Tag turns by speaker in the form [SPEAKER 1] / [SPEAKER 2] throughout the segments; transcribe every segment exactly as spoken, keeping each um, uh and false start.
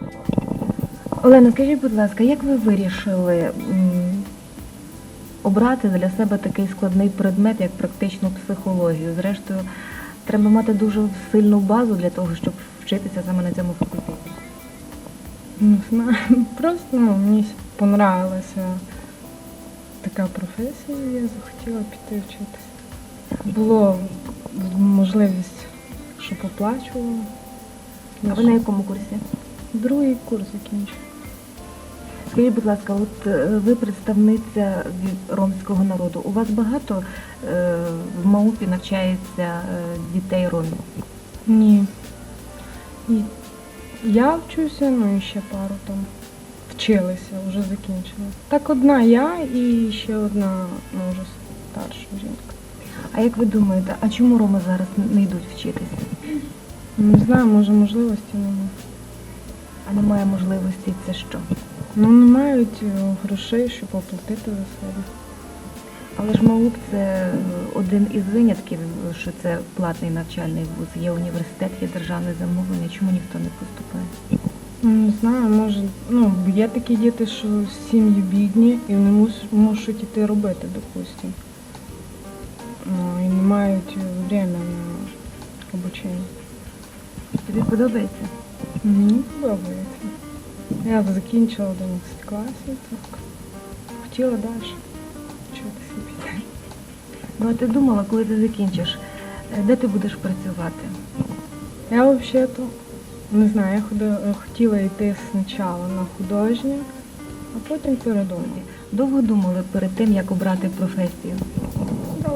[SPEAKER 1] Олена, скажіть, будь ласка, як ви вирішили м, обрати для себе такий складний предмет, як практичну психологію? Зрештою, треба мати дуже сильну базу для того, щоб вчитися саме на цьому факультеті.
[SPEAKER 2] Не знаю, просто ну, мені понравилася така професія, і я захотіла піти вчитися. Було можливість, що поплачувала.
[SPEAKER 1] А ви на якому курсі?
[SPEAKER 2] Другий курс закінчив.
[SPEAKER 1] Скажіть, будь ласка, от е, ви представниця від ромського народу. У вас багато е, в МАУПі навчається е, дітей ромів?
[SPEAKER 2] Ні. І я вчуся, ну і ще пару там вчилися, вже закінчили. Так одна я і ще одна, ну вже старша жінка.
[SPEAKER 1] А як ви думаєте, а чому роми зараз не йдуть вчитися?
[SPEAKER 2] Не знаю, може можливості немає.
[SPEAKER 1] А немає можливості, це що?
[SPEAKER 2] Ну не мають е, грошей, щоб оплатити за себе.
[SPEAKER 1] Але ж МАУП – це один із винятків, що це платний навчальний вуз. Є університет, є державне замовлення. Чому ніхто не поступає?
[SPEAKER 2] Ну, не знаю, може, ну, є такі діти, що сім'ї бідні і вони мус- мусять іти робити, допустим. Ну, і не мають время на обучення.
[SPEAKER 1] Тобі подобається?
[SPEAKER 2] Мені подобається. Я закінчила одинадцятий клас і так хотіла далі вчитися піти.
[SPEAKER 1] Ну, а ти думала, коли ти закінчиш, е, де ти будеш працювати?
[SPEAKER 2] Я взагалі-то, не знаю, я ходи- хотіла йти спочатку на художнє, а потім передумала.
[SPEAKER 1] Довго думали перед тим, як обрати професію?
[SPEAKER 3] Довго.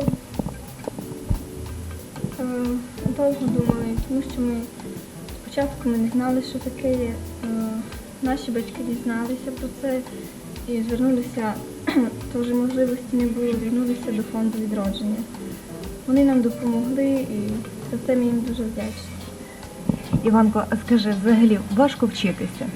[SPEAKER 3] Е, Довго думали, тому що ми спочатку ми не знали, що таке є. Е, Наші батьки дізналися про це і звернулися, теж можливості не було, звернулися до фонду відродження. Вони нам допомогли і за це ми їм дуже вдячні.
[SPEAKER 1] Іванко, а скажи, взагалі важко вчитися?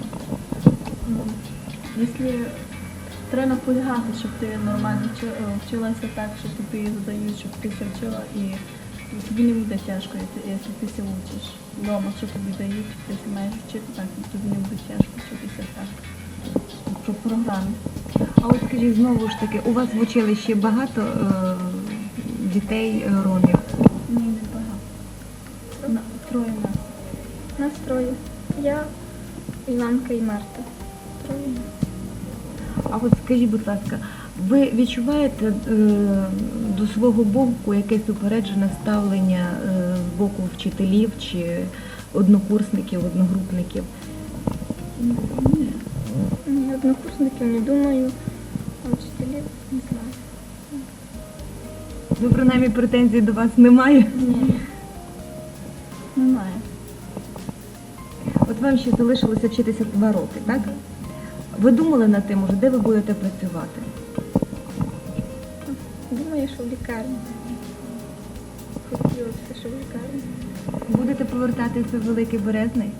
[SPEAKER 4] Якщо треба наполягати, щоб ти нормально вчи- е, вчилася так, що тобі задають, щоб ти все вчила, і тобі не буде тяжко, якщо якщо ти все вчиш. Вдома, що тобі дають, якщо маєш вчити так, тобі не буде тяжко вчитися так. Про програму.
[SPEAKER 1] А от скажіть, знову ж таки, у вас в училищі багато е, дітей е, ромів?
[SPEAKER 4] Ні, не багато. На, троє нас.
[SPEAKER 3] Нас троє. Я, Іванка і Марта. Троє.
[SPEAKER 1] А от скажіть, будь ласка, ви відчуваєте е, до свого боку якесь упереджене ставлення е, з боку вчителів чи однокурсників, одногрупників?
[SPEAKER 4] Ні.
[SPEAKER 3] Ні, однокурсників не думаю, а вчителів не знаю.
[SPEAKER 1] Ну, принаймні, претензій до вас немає?
[SPEAKER 3] Ні.
[SPEAKER 4] Немає.
[SPEAKER 1] От вам ще залишилося вчитися два роки, так? Ви думали над тим, уже, де ви будете працювати?
[SPEAKER 3] Думаю, що в лікарні. Хотілося, що в лікарні.
[SPEAKER 1] Будете повертатися в Великий Березний?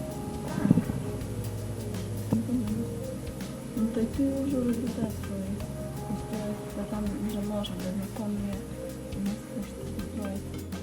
[SPEAKER 4] Ну, то ти вже результат свої. Тобто, там вже можна, де закон є, у нас хочеться строїти.